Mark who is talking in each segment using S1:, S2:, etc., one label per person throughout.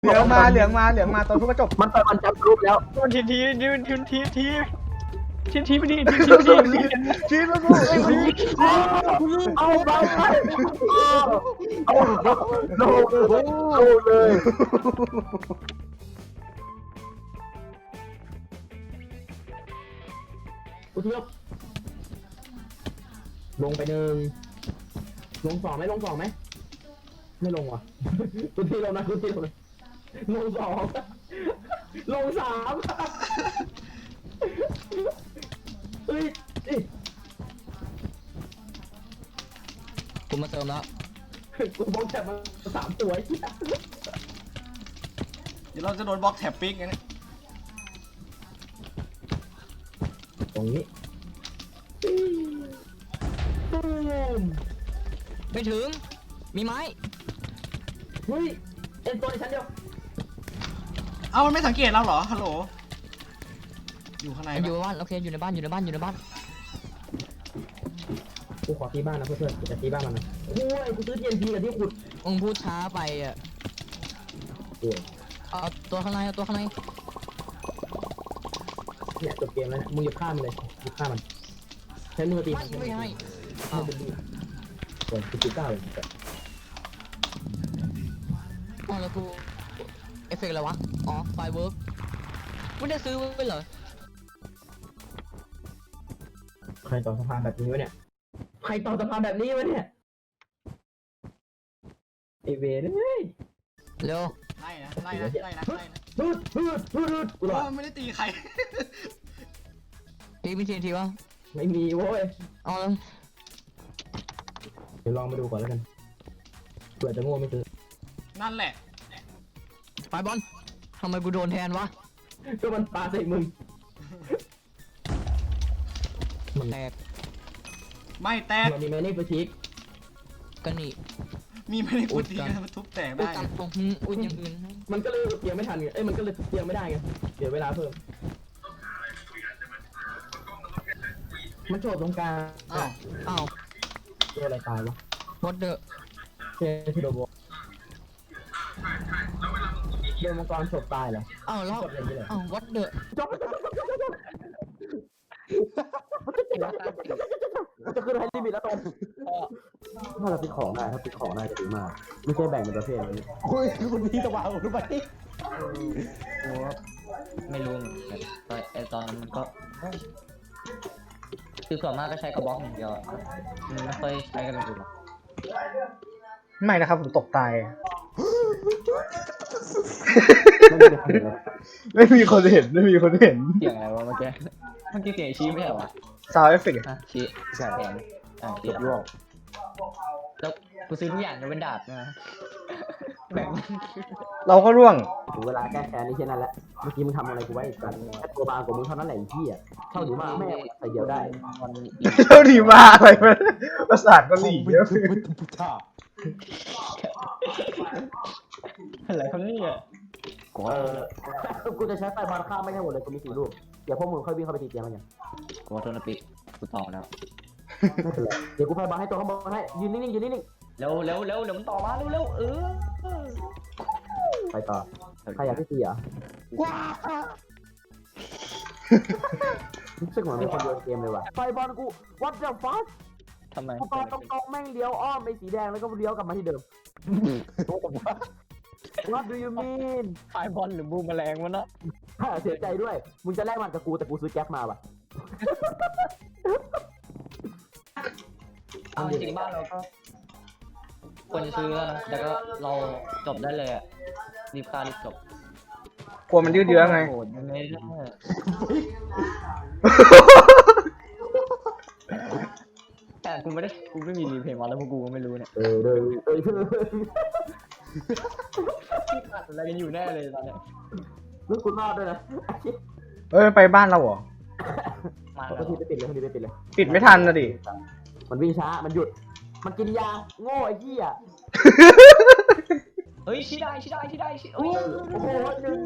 S1: ลืองมาตอนทุกกระจก
S2: มันต่อยมันจับรูปแล้ว
S3: ทีทีไปดิทีไปดิ
S1: ชี้มากู
S2: เอาไปเอาโลเลยกูเทียบลงไปหนึ่งลงสองไหมไม่ลงว่ะกูทีลงนะกูทีลงเลยลงสองลงสามเฮ้ย
S4: กูมาเติมแล้ว
S2: กูบล็อกแถบมา3 ตัวไอ้เหี้ย
S5: เดี๋ยวเราจะโดนบล็อกแท็บปิ๊กไงเนี่ย
S2: ตรงนี้ตูม
S4: ไม่ถึงมีไม้
S2: เฮ้ยเอ็นตัวในชั้นเดียว
S5: เอ้ามันไม่สังเกตเราเหรอฮัลโหลอยู่ข้างใน
S4: อยู่
S5: ปะ
S4: บ้านโอเคอยู่ในบ้าน
S2: กูขอตีบ้านนะเพื่อนๆกูจะตีบ้านมันนะโอ้ยกูซื้อ TNT กับที่ขุด
S4: มึงพูดช้าไปอ่ะ
S2: โอ้ย
S4: เอาตัวข้างใน
S2: เนี่ยจบเกมแล้วเนี่ยมึงหยุดฆ่ามันเลยหยุดฆ่ามันใช้มือตีมัน
S4: ไม่ให้
S2: เอาเป็นดีส่วนกู9เลย
S4: อ๋อแล้วกูเอฟเฟกต์อะไรวะอ๋อไฟเวิร์กไม่ได้ซื้อไว้เหรอ
S2: ใครต่อสะพานแบบนี้วะเนี่ยใครต่อสะพานแบบนี้วะเนี่ยไอเวรเฮ้ย
S4: เร็ว
S5: ไล่นะ
S2: ฮึดกูหรอ
S5: ไม่ได้ตีใคร
S4: ทีมีทีวะ
S2: ไม่มีโว้ย
S4: เอาแล้ว
S2: เดี๋ยวลองมาดูก่อนแล้วกันเผื่อจะโง่ไม่ซื้อ
S5: นั่นแหละ
S4: ไฟบอลทำไมกูโดนแทนวะ
S2: ก็มันปาใส่มึง
S4: แตก
S5: ไม่แตก
S2: มันมีแมนนี่ไปทิก
S4: กันนี่
S5: มีไม่ได้กูตีกันมันทุบแตก
S4: อุ้ย
S5: ได้
S4: กันตรงอุ้ยอย่างอื่น
S2: มันก็เลยเตรียมไม่ทันไงเอ้ยมันก็เลยเตรียมไม่ได้ไงเดี๋ยวเวลาเพิ่มมันโฉบตรงกลาง
S5: อ้าว
S4: อ้าว
S2: ตัวอะไรตายวะ
S4: วอดเดอร์
S2: เททิโดโบเดินมังกรโฉบตายเหรอ
S4: อ้าวแล้ว
S2: กดอย่างนี้เลย
S4: อ้าววอดเดอร์
S2: จบจะขึ้นให้ลิมิตแล้วตอนถ้าเราปิดของได้ถ้าปิดของได้จะดีมากไม่ใช่แบ่งเป็นประเภทเลย
S1: โอ้ยคุณพี่จะวางผมรู้ไหม
S4: ไม่รู้ไอตอนนั้นมันก็คือส่วนมากก็ใช้กระบอกอย่างเดียวไม่ค่อยใช้กันเลยหรอก
S1: ไม่นะครับผมตกตาย
S2: ไม่มีคนเลย
S1: ไม่มีคนเห็น
S4: เสียงอะไรวะเมื่อกี้เสียงชี้ไม่ใช่เหรอ
S1: ซาวเอฟเฟกต์
S4: อ่ะชี้ใช่แทนชี้แล้วกูซื้อทุกอย่างยกเว้นดาบนะแบ่ง
S1: เราก็ร่วง
S2: ถึงเวลาแก้แค้นนี่แค่นั้นแหละเมื่อกี้มึงทำอะไรกูไว้อีกกันแค่ตัวบางกว่ามึงเท่านั้นแหละไอ้เหี้ยเท่าหนูมาแม่ใส่เดียวได้
S1: เท่าดีมาอะไรมันประสาทก็หลีเยอะ
S4: อะไรเขาเนี่ย
S2: กูจะใช้ไฟบอลข้ามไม่ให้หมดเลยกูมี4 ลูกเดี๋ยวพวกมึงค่อยวิ่งเข้าไปตีเตียงมันอย่าง
S4: กูโทนปิกูต่อแล้ว
S2: ไม่เป็นไรเดี๋ยวกูไฟบอลให้ตัวข้างบนให้ยืนนิ่งๆ
S4: เร็วเดี๋ยวมันต่อมาเร็ว
S2: ไปต่อใครอยากที่ตีอ่ะรู้สึกเหมือนมีคนโยนเกมเลยว่ะไฟบอลกู what the fuck
S4: ทำไม
S2: กูปาตรงๆแม่งเลี้ยวอ้อมไปสีแดงแล้วก็เลี้ยวกลับมาที่เดิม What do you mean
S4: ไฟบอลหรือบูมแมลงวะนะ
S2: เสียใจด้วยมึงจะแลกมันกับกูแต่กูซื้อแก๊ปมาว่ะ
S4: เอาจริงบ้านเราก็ควรจะซื้อแล้วนะแต่ก็เราจบได้เลยอ่ะรีบฆ่ารีบจบ
S1: กลัวมันยืดเยื้อไง
S4: โหดยังไงได้แต่กูไม่มีรีเพย์มาแล้วพวกกูก็ไม่รู้เนี่ยขาดอะไรกันอยู่แน่เลยตอนเนี้ย
S2: ลูกคุณรอดด้วยนะ
S1: เอ้ยไปบ้านเราเหรอ
S4: มา
S2: เขา
S4: แล้ว
S2: ทีไปปิดเลยเขาทีไปปิดเลย
S1: ปิดไม่ทันนะดิ
S2: มันวิ่งช้ามันหยุดมันกินยาโง่ไอ้เหี้ย
S4: เฮ้ยชี้ได้โอ้ย
S2: โอ้โหหนึ่ง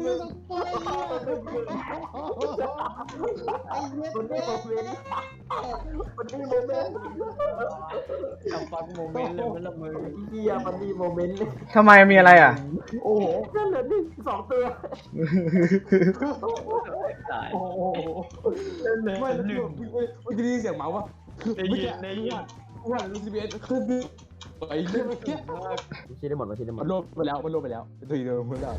S2: คนนี้โมเมนต์
S4: ทำฟังโมเมนต์เลยมันละมือ
S2: เฮียมันมีโมเมนต์
S1: ทำไมมีอะไรอ่ะ
S2: โอ้โหนั่นเหลือหนึ่งสองตัว
S4: ตาย
S2: โอ้โห
S6: ไม่แล้วคือเมื่อกี้ได้ยินเสียงเมาส์วะคือเมื่อกี้ว่าลูซิเบสคือไอ้เรื่องเมื่อกี้
S2: ชี้ได้หมดชี้ได้หม
S6: มั
S2: ด
S6: นลบไปแล้วทีเดิมเพื่อนเรา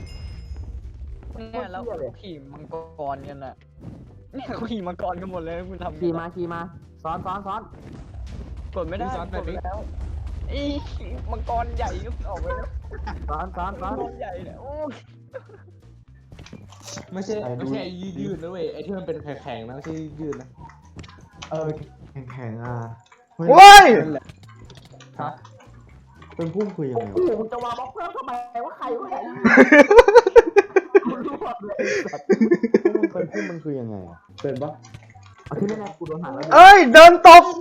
S4: เนี่ยแล้วขี่มังกรกันน่ะเนี่ยเขาขี่มังกรกันหมดเลยคุณทำ
S2: ขี่มาซ้อน
S4: กดไม่ได้กดไม่แล้วอีมังกรใหญ่ออกไปแล้ว
S2: ซ้อน
S4: มังกรใหญ่เนี่ยโอ้
S6: ไม่ใช่ไอ้ยืดนะเว้ยไอ้ที่มันเป็นแข็งๆนะไม่ใช่ยืดนะ
S1: แข็งๆอ่ะโว้ย
S6: นั่นแหละ
S4: ฮะ
S5: เป็นพุ่มคือยังไง
S2: โอ้โหมึงจะวางบล็อกเพิ่มทำไมว่าใครวะเนี่ยกูรู้หมดเลย
S5: เป็นพุ่มมันคือยังไงอ่ะเป็นปะ
S2: เอาที่แน่ๆกูโดนหางแล้ว
S1: เอ้ยเดินตก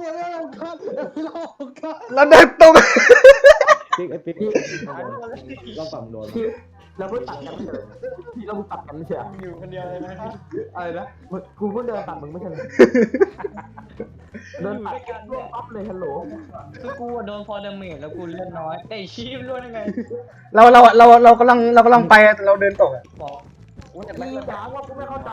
S1: แล้วเดินตก
S5: ปิ๊กไอ้ปิ๊กเราฝั่งโดน
S2: ที่เราเพิ่งตัดกันไม่ใช่เหรอที่เราเพิ่งตัดกันไม่ใช่เหรอ
S4: อยู่คนเดียวเลยนะ
S6: อะไรนะ
S2: กูเพิ่งเดินตัดมึงไม่ใช่เหรอเดินตัดกันร่วงปั๊บเลยฮัลโหล
S4: คือกูโดนฟอร์ดเมจแล้วกูเล่นน้อยแต่ชีพล้วนยังไง
S1: เรากำลังไปเราเดินตกอ่ะ
S4: บอกกูจะไป
S2: พี่จ๋าว่ากูไม่เข้าใจ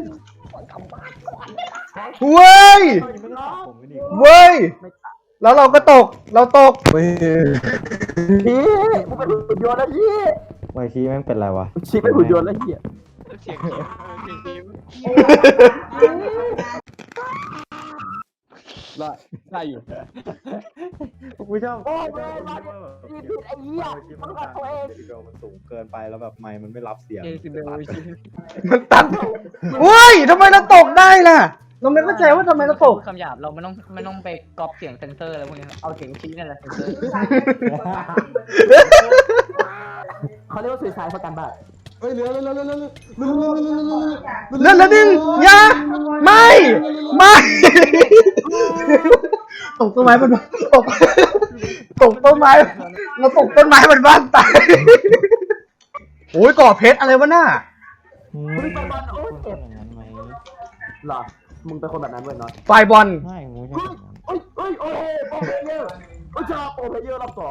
S1: เว้ย เว้ย แล้วเราก็ตก เราตก
S2: พี่กูเป็นหุ่นยนต์แล้วพี่
S5: ไมค์ชี้แม่งเป็นไรวะ
S2: ชีเป็นหุ่นยนต์แล้วพี่
S4: เสียงชีพเสียงชีพ
S6: ได้อยู่
S5: กูชอบ
S2: โอ้ยพี่ผิดไอ้เหี้ยต้องกัดตัวเอง
S5: เดมันสูงเกินไปแล้วแบบไมค์มันไม่รับเสียง
S4: เจสิเบลชีพ
S1: มันตัดเว้ยทำไมเราตกได้ล่ะ เราไม่เข้าใจว่าทำไมเราตก
S4: คำหยาบเราไม่ต้องไปก๊อปเสียงเซนเซอร์อะไรพวกนี้เอาเสียงชี้นั่นแหละเซนเซอร์
S2: เขาเรียกว่าสื่อสารประกันบ้าน
S6: เฮ้ยเหลือ
S1: เลื่อนแล้วดึงอย่าไม่ตกต้นไม้มันตกต้นไม้เราตกต้นไม้มันบ้านตายโอ้ยก่อเพชรอะไรวะน่า
S2: มึงเป็นบอลโอ้ยเจ็บหรอมึงเป็นคนแบบนั้นเว้ยน็อต
S1: ไฟบอล
S5: ไม่กูชอบ
S2: โอ้ยโปรเพลเยอร์โอ้ยชอบโปรเพลเยอร์รอบสอง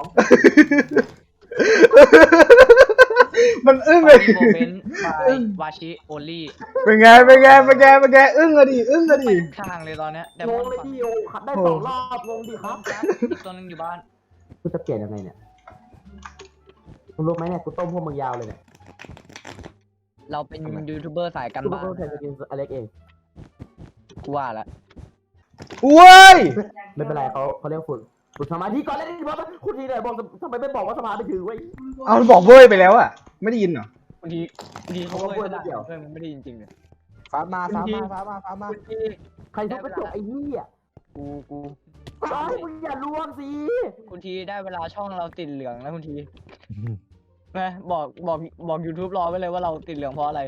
S1: มันอึ้งเลย
S4: โมเมนต์บายวาชิโอลี่
S1: เป็นไงอึ้งอะดิ
S4: ข้างเลยตอนเนี้ยแต่
S2: ง
S4: มอง น
S2: เลย
S4: ฝั่ง
S2: พี่โอขัดได้สองรอบงงดิครับ
S4: อีกตัวนึงอยู่บ้าน
S2: กูจะเปลี่ยนยังไงเนี่ยมึงรู้ไหมเนี่ยกูต้มพวกมึงยาวเลยเนี่ย
S4: เราเป็นยูทูบเบอร์สายกัน
S2: กู
S4: บ้าน
S2: ก็เคยจะกินอเล็กเอง
S4: กูว่าละ
S1: เว้ย
S2: ไม่เป็นไรเขาเรียกฝึกสมาธิก่อนเลยดิบอสคุณทีเนี่ยบอกทำไมไม่บอกว่าสมาธิถือไว้
S1: เอาบอกเว้ยไปแล้วอะไม่ได้ยินเหรอบ
S4: างทีเขาก็ไม่ได้เพื่อนมันไม่ได้จริงๆเลย
S6: ฟ้ามา
S2: ใครทุบกระจกไอ้เหี้ย
S4: กู
S2: ไอ้มึงอย่ารวมสิ
S4: คุณทีได้เวลาช่องเราติดเหลืองแล้วคุณทีนะบอก YouTube รอไว้เลยว่าเราติดเหลืองเพราะอะไร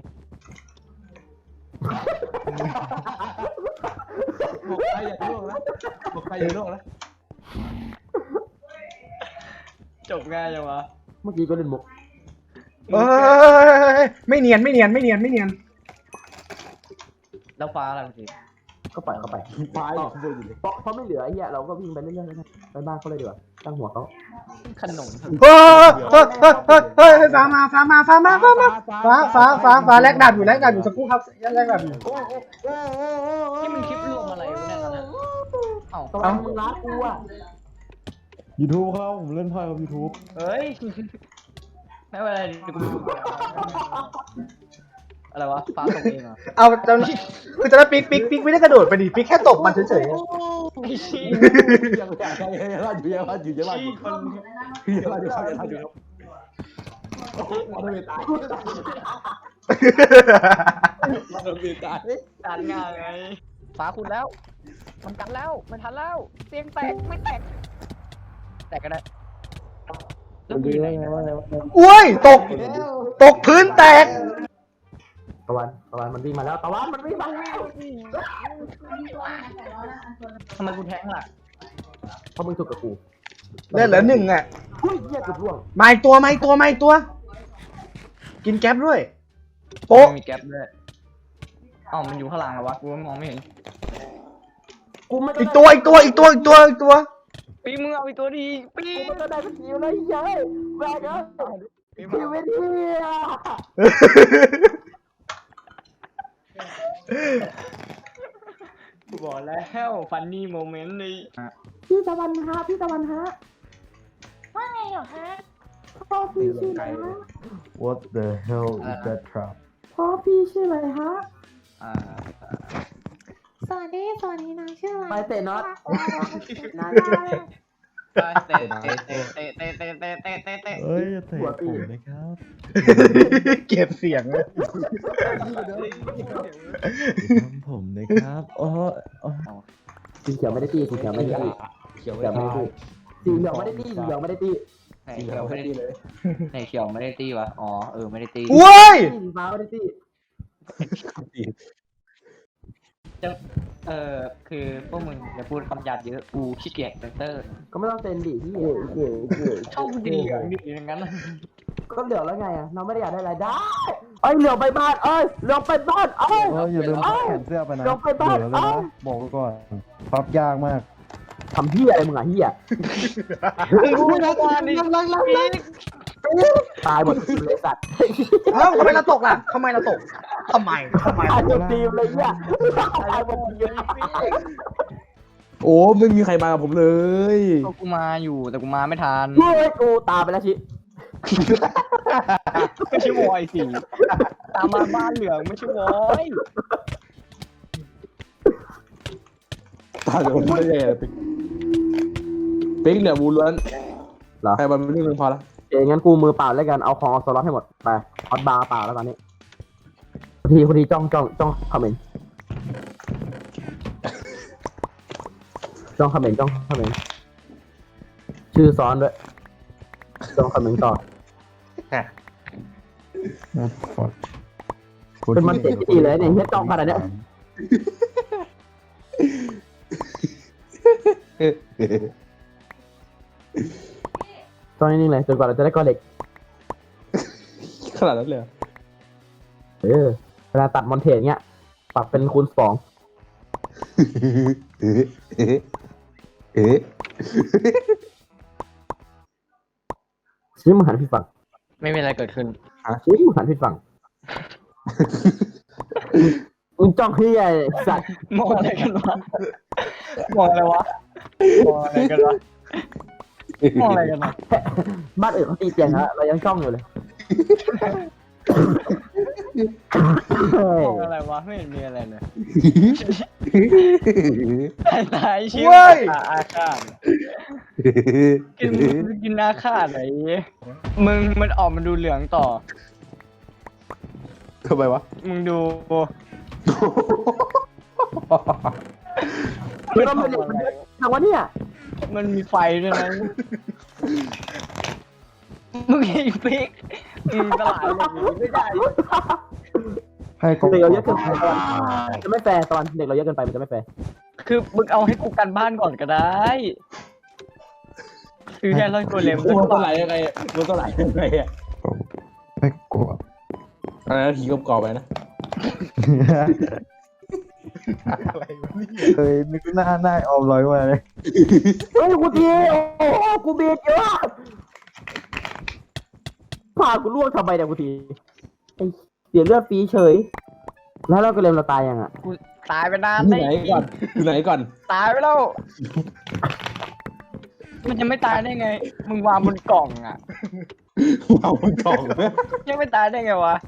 S6: บอกใครอย่าล่วงนะ
S4: จบง่ายจังวะ
S2: เมื่อกี้ก็เล่นมุก
S1: ไม่เนียน
S4: แล้วฟ้าอะไรคุณที
S2: ก็ปล่อยเขาไป
S6: ฟ้าอยู่ข้างบนอยู่เลย
S2: เพราะไม่เหลือไอ้เหี้ยเราก็วิ่งไปเรื่อยๆนะไปบ้านเขาเลยดีกว่าตั้งหัวเขา
S4: ขนม
S1: เฮ้ยฟ้าแลกดาบอยู่สักครู่ครับแลกดาบอยู่
S4: นี่มันคลิปรวมอะไรวะเนี่ยตอนนี้เอ้า
S2: ตอนมึงรักกูอ่ะ
S5: YouTube เขาผมเล่นไพ่กับ YouTube
S4: เฮ้ยไม่เป็นไรเดี๋ยวกูไปดูอะไรวะฟ้าตกเองเหรอ
S1: เอาคือจะได้ปิ๊กไม่ได้กระโดดไปดิปิ๊กแค่ตบมันเฉย
S4: ไอ้ชี้
S6: ยังอยู่
S4: ชี้คน
S6: มันไม่ตาย
S4: ตัดง่ายไงฟ้าคุณแล้วมันกันแล้วมันทันแล้วเสียงแตกไม่แตกแตกก็ได้แล้วกูอยู่ไหน
S1: ๆอุ้ยตกพื้นแตก
S2: ตะวันมันวิ่งมาแล้วตะวันมันวิ่งมาแล้ว
S4: ทำไมกูแทงล่ะ
S2: เพราะมึงถูกกับกู
S1: เลือดเหลือ1อ่ะ
S2: เฮ้ยเหี้ยเกือบล่วง
S1: มาอีกตัวมาอีกตัวมาอีกตัว กินแก๊ปด้วยโป๊ะ
S4: มีแก๊ปด้วยเอ้ามันอยู่ข้างหลังเหรอวะกูมองไม่เห็น
S2: กูไม่ได้
S1: อีกตัวอีกตัวอีกตัวอีกตัวอีกตัว
S4: ปีมึงเอาอีกตัวดีปี
S2: กูไม่ได้เป็นทีมเลยเฮ้ยแบกเอ้ยทีมไม่ดีอ่ะ
S4: กูบอกแล้วฟันนี่โมเมนต์เลย
S2: พี่ตะวันฮะพี่ตะวันฮะ
S7: ว่าไงเหรอฮะ
S2: พ่อพี่ชื่ออะไรฮะ
S8: What the hell is that trap
S2: พ่อพี่ชื่ออะไรฮะ
S4: อ่า
S7: สวัสดีนางชื่ออะไร
S2: ไปเตะน็อต
S7: นาง
S4: เตะ
S8: เอ้ยเตะผมนะครับ
S1: เก็บเสียงเลย
S8: ทำผมนะครับโอ้
S2: สีเขียวไม่ได้ตีสีเขียวไม่ได้ตี
S6: เขียว
S2: สีเขียวไม่ได้ตีสีเหลืองไม่ได้ตีสีเหลืองไม่ได้ตี
S4: ไหนเขียวไม่ได้ไหนเขียวไม่ได้ตีวะอ๋อไม่ได้ตี
S1: เว้ย
S2: สีฟ้าไม่ได้ตี
S4: คือพวกมึงอย่าพูดคำหยาบเยอะกูขี้เกียจเซนเตอร์
S2: ก็ไม่ต้องเซ็นดิพี่
S4: ช่องดีเหลืองดีอย่างนั้น
S2: ก็เหลืองแล้วไงอ่ะเราไม่ได้อยากได้อะไรได้เอ้ยเหลืองไปบ้านเอ้ยเหลืองไปบ้านเอ้ย
S8: อย่าลืมแขนเสื้อไปนะ
S2: ลงไปบ้าน
S8: เดี๋ยวเลยนะบอกไว้ก่อนพับยากมาก
S2: ทำเฮียอะไรมึงอ่ะเฮีย
S4: กูไม่ได้ดิ
S2: ตายหมดทีมเลยสัตว์
S1: เอ้าทำไมเราตกล่ะทำไมเราตกทำไม
S2: ตายหมดทีมเลยเฮียตายหมดทีม
S6: โอ้ไม่มีใครมากับผมเลย
S4: กูมาอยู่แต่กูมาไม่ทัน
S2: เฮ้ยกูตายไปแล้วชิ
S4: ไม่ใช่วอยสิตามมาบ้านเหลืองไม่ใช่วอย
S6: ตายเดี๋ยวผมไม่ได้ปิ๊กเนี่ยบูล้วน
S2: เหรอ
S6: ใครมันไม่เรื่องพอละ
S2: เอ้งั้นกูมือเปล่าแล้วกันเอาของเอาสล็อตให้หมดไปออดบาร์เปล่าแล้วตอนนี้พอดีจ้องคอมเมนต์จ้องคอมเมนต์ชื่อซ้อนด้วยจ้องคอมเมนต์ต่อเป็นมันเจ็บที่ดีเลยเนี่ยเฮียจ้องขนาดเนี้ยจ้องนิ่งๆเลยจนกว่าเราจะได้ก้อนเหล็ก
S6: ขนาดนั้นเลย
S2: เวลาตัดมอนเทนเงี้ยปรับเป็นคูณ2ชี้มือหันผิดฝั่ง
S4: ไม่มีอะไรเกิดขึ้น
S2: ชี้มือหันผิดฝั่งมึงจ้องที่ไอ้สัตว์
S4: มองอะไรกันวะมองอะไรวะมองอะไรกันวะมองอะไรกันวะ
S2: บ้านอื่นเขาตีเตียงแล้วเรายังจ้องอยู่เลย
S4: มองอะไรวะไม่เห็นมีอะไรเลยตายชิวอาฆาตกินอาฆาตไหนมึงมันออกมาดูเหลืองต่อ
S6: ทำไมวะ
S4: มึงดู
S2: คือเราเป็นเด็กมันทำวะเนี่ย
S4: มันมีไฟด้วยนะมึงไอ้ปิ๊กมึงตลาดเลยไม่ได้
S8: ให้ก็
S2: เด็กเราเยอะเกินไปจะไม่แฟร์ตอนเด็กเราเยอะเกินไปมันจะไม่แฟร์
S4: คือมึงเอาให้กูกันบ้านก่อนก็ได้คือแค่ร้อยตัวเล็ม
S6: มันตัวไหลยังไงมันตัวไหลยังไงอ่ะ
S8: ไม่กลัว
S6: อะไรนะผีกรอบๆไปนะ
S1: อะไรวะเนี่ย
S8: เฮ้ยนึกหน้าออมลอยมาเลย
S2: เฮ้ยกูตีโอ้โหกูเบียดเยอะพากูล่วงทำไมเนี่ยกูตีไอ้เสียเลือดฟรีเฉย แล้วเราก็เลมเราตายยังอ่ะ
S4: กูตายไปนาน
S6: อยู่ไหนก่อน
S4: ตายไปแล้ว มันจะไม่ตายได้ไง มึงวางบนกล่องอ่ะ
S6: วางบนกล่องนะ
S4: ยังไม่ตายได้ไงวะ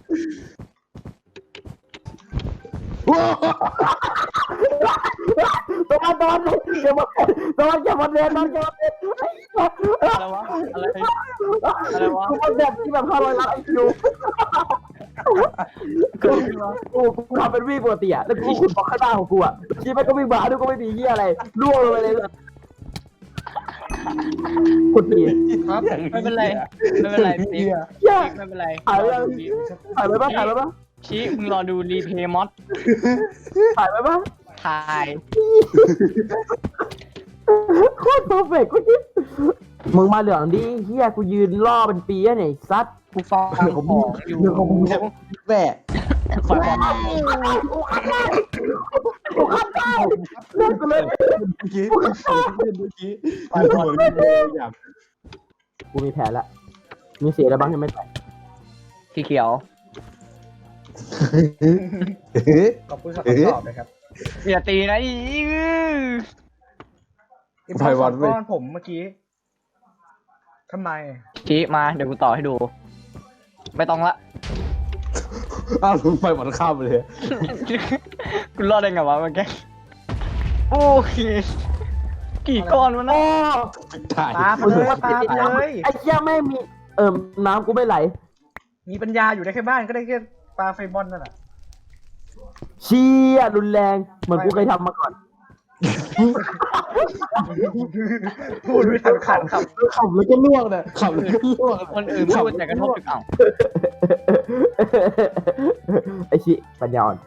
S2: โดนอย่ามาอย่ามาเรียน
S4: อะไรวะ อะไรวะ
S2: กูเป็นแบบที่แบบ500 ล้านไอคิวกูทำเป็นวิ่งปกติอ่ะแล้วกูขุดบล็อกข้างหน้าของกูอ่ะชีมันก็วิ่งมาด้วยก็ไม่มีเหี้ยอะไรล่วงลงไปเลยขุดดี
S4: ครับไม่เป็นไรไม่เป็นไรปิ๊ก
S2: เหี้ย
S4: ไม่เป็นไร
S2: ถ่ายไว้ปะถ่ายไว้ปะ
S4: ชี้มึงรอดูรีเพย์มอส
S2: ถ่ายไว้ปะ
S4: ถ่าย
S2: โคตรเพอร์เฟกต์กูคิดมึงมาเหลืองดิเฮียกูยืนล่อเป็นปีแล้วเนี่ยซัด
S4: กูฟังของอยู่
S6: เรื่องของมึงแม่
S4: ฟัง
S2: เลิกกูเลย
S6: เมื่อกี้เมื่อกี้อยาก
S2: กูมีแผนละมีเสียอะไรบ้างยังไม่แตก
S4: สีเขียว
S1: ขอบคุณสำหรับคำตอบนะครับ
S4: อย่าตีนะอี
S1: อินพอร์ตก้อนผมเมื่อกี้ทำไม
S4: ชี้มาเดี๋ยวกูต่อให้ดู ไม่ต้องละ
S6: อ้าวไฟหมดข้ามเลย
S4: กูรอดได้ไงวะเมื่อกี้โอเคกี่ก้อนวะนะ
S6: ถ่าย
S1: ปาไปเลยปาไปเลย
S2: ไอ้เหี้ยไม่มีน้ำกูไม่ไหล
S1: มีปัญญาอยู่ได้แค่บ้านก็ได้แค่ปลาไฟบอลนั่นแหละ
S2: เชี่ยรุนแรงเหมือนกูเคยทำมาก่อน
S1: พูดไม่ทันขันครับ
S6: ขับแล้วก็ล่วงเนี่ยขับแล้วก็ล่วง
S4: คนอื่นพูดแต่กระทบถึงเอ้า
S2: ไอ้ชิปัญญาอ่อน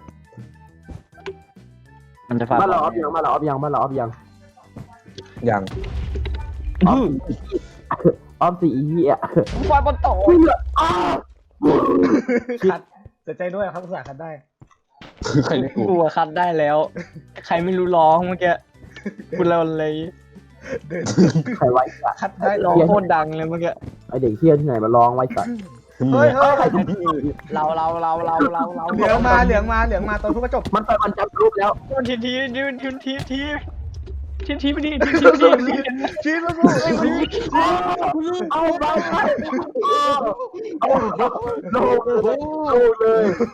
S4: มันจะฟาด
S2: มาหลออฟยังมาหลออฟยังมาหลออฟยัง
S6: อย่าง
S2: ออฟสี่อีเหี้ย
S4: ฟาดบนโต๊ะ
S1: ขัดเสียใจด้วยครับอุตส่าห์ขัดได้
S6: ใครเรียกกู
S4: กูอะคัดได้แล้ว ใครไม่รู้ร้องเมื่อกี้กูเราเลย
S1: เดิน
S2: ใครไว้สัตว์
S1: ขัดได้
S4: ร้องโคตรดังเลยเมื่อกี้
S2: ไอเด็กเที่ยที่ไหนมาร้องไว้สัตว์
S1: เฮ้ยเฮ้ย
S4: เรา
S1: เหลืองมาเหลืองมาเหลืองมาตอนทุกกระจก
S2: มันไปมันจับรูปแล้ว
S3: ทีทีไปดิ
S1: ชี้มาพูด
S2: เอาไปเอาโลเลย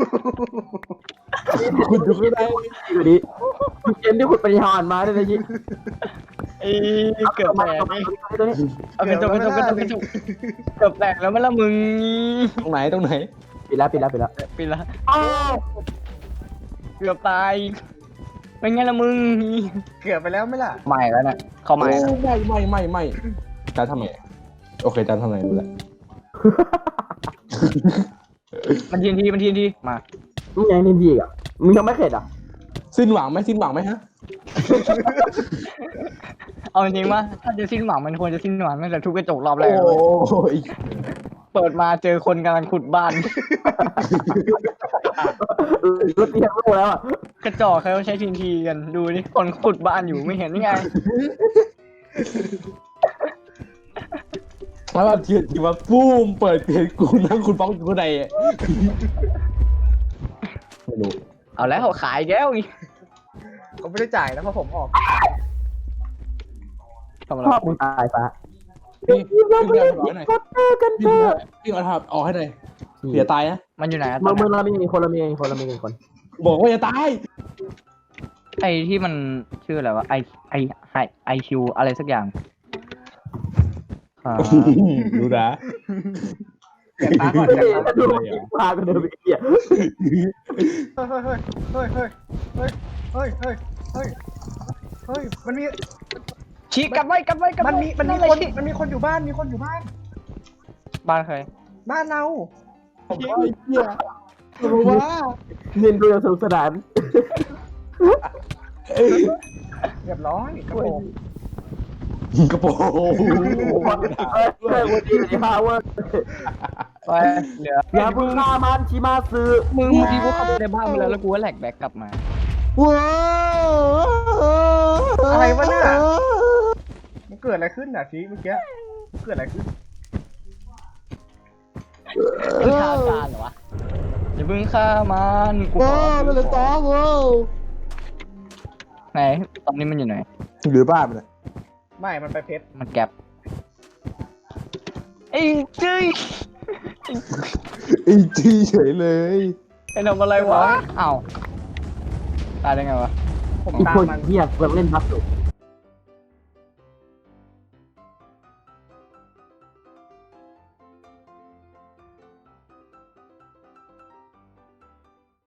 S6: คุณดูไม่ได้
S2: อยู่ดีเกมที่ขุดปัญญาอ่อนมาได้เลยยิ
S3: ไอ้เกือบแตก
S4: เอากระจกเกือบแตกแล้วมั้ยล่ะมึง
S6: ตรงไหน
S2: ปิดแล้ว
S4: ปิดละเกือบตายเป็นไงล่ะมึง
S1: เกือบไปแล้วไหมล่ะ
S4: ใหม่แล้วน่ะเข้าใหม่แล้ว
S6: ไม่จานทำไมโอเคจานทำไมรู้แล้ว
S4: มันทีนทีมา
S2: มึงยังนินดีอ่ะมึงยังไม่เข็ดอ่ะ
S6: สิ้นหวังไหมฮะ
S4: เอาจริงว่าถ้าจะสิ้นหวังมันควรจะสิ้นหวังตั้งแต่ทุบกระจกรอบแรก
S6: โอ้ย
S4: เปิดมาเจอคนกำลังขุดบ้าน
S2: รถเตียงรู้แล้วอ่ะ
S4: กระจอกเขาใช้ทีนทีกันดูนี่คนขุดบ้านอยู่ไม่เห็นยังไง
S6: แล้วแบบที่ว่าปุ้มเปิดเพจกูนั่งคุณฟ้องอยู่ข้างในไม่รู้
S4: เอาแล้วเขาขายแก้วอีก
S1: เขาไม่ได้จ่ายนะเพราะผมออก
S4: ทำอะไร
S2: ชอบมึงตายปะ
S6: พี่เอาถอดหน่อย
S2: ก็เจอกันเถอะ
S6: พี่เอาถอดออกให้หน่อยเสียตายนะ
S4: มันอยู่ไหนอะ
S2: มึงเรามีคนคน
S6: บอกว่าอย่าตาย
S4: ไอที่มันชื่ออะไรวะไอคิวอะไรสักอย่างอ่า
S6: ดูนะ
S1: เก็บตาก่อนเก็บตา
S2: ดูพากันเดินไปเกี่ย
S1: เฮ้ยมันมี
S4: ชี้กลับไว้
S1: มันมี
S4: นั่นเลย
S1: คน
S4: ชี้
S1: มันมีคนอยู่บ้าน
S4: บ้านใคร
S1: บ้านเรา
S6: ผมว่าไอ้เหี้ยรู้ว่า
S2: เรียนดูอย่างสนุกสนาน
S1: เรียบร้อยกระโปรง
S6: กระโปรง
S2: วันนี้ฮาวเวิร์ด
S4: ไปเหลือ
S2: อย่าพึ่งฆ่ามันชิมาซึ
S4: มึงเมื่อกี้กูเข้าไปในบ้านไปแล้วกูก็แหลกแบ็กกลับมา
S1: อะไรวะเนี่ยมันเกิดอะไรขึ้นอ่ะชี้เมื่อกี้เกิดอะไรขึ้น
S4: มึงฆ่าการเหรอวะอย่าเพิ่งฆ่ามันกูขอ
S6: มันเลยต่อกู
S4: ไหนตอนนี้มันอยู่ไหน
S6: หรือบ้านมัน
S1: ไม่มันไปเพชร
S4: มันแก็บไอ้จี้
S6: ไอ้ที่เฉยเลย
S4: ไอ้ทำอะไรวะอ้าวตายได้ไงวะ
S1: ผม
S2: อีก
S1: ตาม
S2: คน
S1: มัน
S2: เหี้ยเล่นบัฟสุ